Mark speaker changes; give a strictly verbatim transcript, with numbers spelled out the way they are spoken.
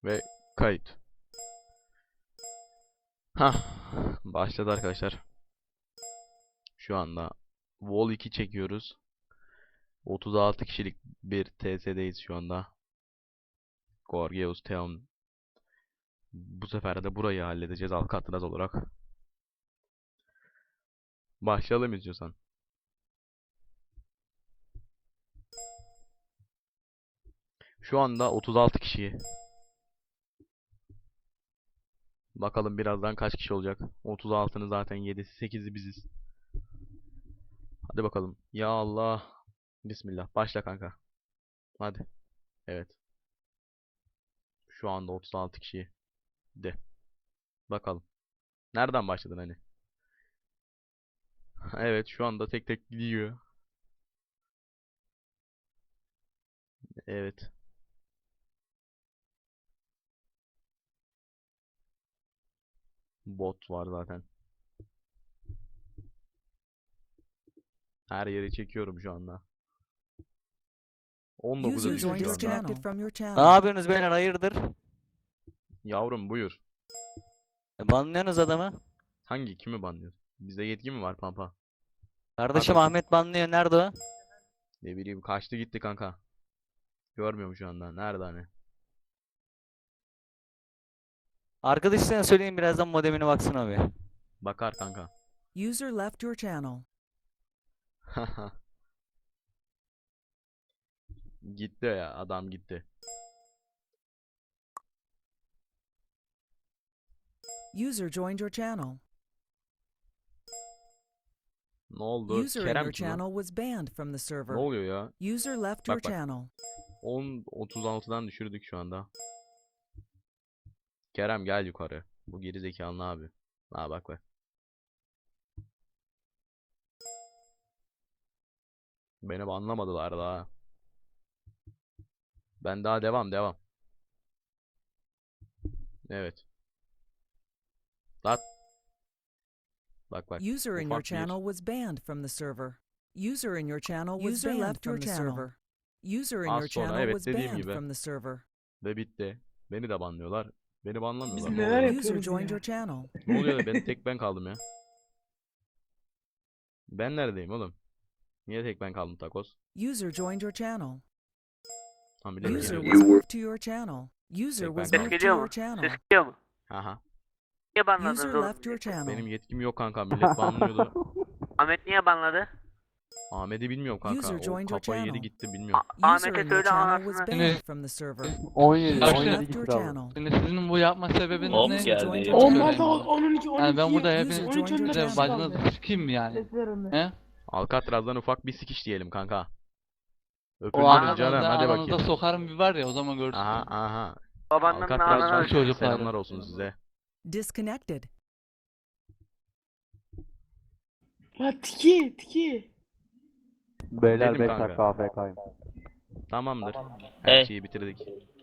Speaker 1: Ve kayıt. Hah, başladı arkadaşlar. Şu anda Vol iki çekiyoruz. otuz altı kişilik bir T S'deyiz şu anda. Gorgeous Town. Bu sefer de burayı halledeceğiz Alcatraz olarak. Başlayalım istiyorsan. Şu anda otuz altı kişi. Bakalım birazdan kaç kişi olacak. otuz altının zaten yedisi sekizi biziz. Hadi bakalım. Ya Allah. Bismillah. Başla kanka. Hadi. Evet. Şu anda otuz altı kişi. De. Bakalım. Nereden başladın hani? Evet, şu anda tek tek gidiyor. Evet. Bot var zaten. Her yeri çekiyorum şu anda. on dokuza
Speaker 2: User
Speaker 1: düştü
Speaker 2: joined
Speaker 1: şu anda.
Speaker 2: disconnected from your
Speaker 3: Ne
Speaker 2: channel.
Speaker 3: yapıyorsunuz beyler, hayırdır?
Speaker 1: Yavrum buyur.
Speaker 3: E, banlıyorsunuz adamı.
Speaker 1: Hangi? Kimi banlıyorsun? Bizde yetki mi var Pampa?
Speaker 3: Kardeşim
Speaker 1: bakayım.
Speaker 3: Ahmet banlıyor, nerede o?
Speaker 1: Ne bileyim, kaçtı gitti kanka. Görmüyorum şu anda. Nerede hani?
Speaker 3: Arkadaşlarına söyleyin birazdan modemine baksın abi.
Speaker 1: Bakar kanka.
Speaker 2: User left your channel.
Speaker 1: Gitti ya, adam gitti.
Speaker 2: User joined your channel.
Speaker 1: Ne oldu?
Speaker 2: User in
Speaker 1: Kerem
Speaker 2: your
Speaker 1: kim lan?
Speaker 2: channel was banned from the
Speaker 1: Ne
Speaker 2: server.
Speaker 1: oluyor ya?
Speaker 2: User left your
Speaker 1: Bak bak.
Speaker 2: channel.
Speaker 1: on otuz altıdan düşürdük şu anda. Kerem gel yukarı. Bu geri zekalı abi. Ha bak bak. Beni anlamadılar daha. Ben daha devam devam. Evet. Lan. Bak bak.
Speaker 2: User in your
Speaker 1: Ufak bir.
Speaker 2: channel was banned from the server. User in your channel was
Speaker 3: User
Speaker 2: banned
Speaker 3: left your
Speaker 2: from the
Speaker 3: channel.
Speaker 2: server. User in
Speaker 1: Az
Speaker 2: your
Speaker 1: sonra
Speaker 2: channel
Speaker 1: evet
Speaker 2: was
Speaker 1: dediğim
Speaker 2: banned
Speaker 1: gibi.
Speaker 2: from the server.
Speaker 1: Ve bitti. Beni de banlıyorlar. Beni banlamıyorlar.
Speaker 4: Biz
Speaker 1: Ne
Speaker 4: neler
Speaker 1: oluyor?
Speaker 2: User
Speaker 4: yapıyoruz
Speaker 2: joined
Speaker 4: ya?
Speaker 2: your channel.
Speaker 1: Ne oluyor da ben tek ben kaldım ya. Ben neredeyim oğlum? Niye tek ben kaldım takoz?
Speaker 2: User joined your channel.
Speaker 1: Tam bile
Speaker 2: User
Speaker 1: geliyor.
Speaker 2: was moved to your channel. User
Speaker 1: Tek
Speaker 2: was
Speaker 1: ben
Speaker 2: moved
Speaker 1: kaldım.
Speaker 2: to
Speaker 4: Geliyor
Speaker 2: your
Speaker 4: mu?
Speaker 2: channel.
Speaker 4: Ses geliyor mu?
Speaker 1: Aha.
Speaker 4: Niye banladınız
Speaker 2: User
Speaker 4: oğlum?
Speaker 2: left your channel.
Speaker 1: Benim yetkim yok kanka. Millet banlıyordu.
Speaker 4: Ahmet niye banladı?
Speaker 1: Ahmet'i bilmiyorum kanka.
Speaker 2: User
Speaker 1: O
Speaker 2: joined your
Speaker 1: kafayı yedi
Speaker 2: channel.
Speaker 1: gitti bilmiyorum.
Speaker 4: A-
Speaker 2: User
Speaker 4: Ahmet'e
Speaker 2: in your
Speaker 4: söyle
Speaker 2: channel was
Speaker 4: anasını.
Speaker 2: banned from the server.
Speaker 5: on yedi,
Speaker 2: User
Speaker 5: on yedi
Speaker 2: left your
Speaker 5: gitti abi.
Speaker 2: channel.
Speaker 6: Şimdi sizin bu yapma sebebiniz
Speaker 7: Hop
Speaker 6: ne?
Speaker 2: User
Speaker 7: geldi.
Speaker 2: joined your
Speaker 5: Onlar
Speaker 2: channel.
Speaker 5: da on iki, on iki.
Speaker 6: Yani ben burada
Speaker 2: User
Speaker 6: hepiniz
Speaker 2: joined your
Speaker 6: de
Speaker 2: channel.
Speaker 6: bacınızı sikeyim mi yani? He?
Speaker 1: Alcatraz'dan ufak bir sikiş diyelim kanka.
Speaker 6: O
Speaker 1: Öpüldünüz
Speaker 6: aranızda,
Speaker 1: canım hadi
Speaker 6: aranızda
Speaker 1: bakayım.
Speaker 6: sokarım bir var ya, o zaman görürsün.
Speaker 1: Aha aha.
Speaker 4: Babanın
Speaker 1: Alcatraz
Speaker 4: ananı.
Speaker 1: var.
Speaker 6: Çocuklar.
Speaker 1: Selamlar olsun size.
Speaker 2: Disconnected.
Speaker 4: Ya tiki tiki.
Speaker 5: Beyler
Speaker 1: Dedim
Speaker 5: beş
Speaker 1: kanka.
Speaker 5: dakika A F K'yım.
Speaker 1: Tamamdır. Her
Speaker 7: Hey.
Speaker 1: şeyi bitirdik.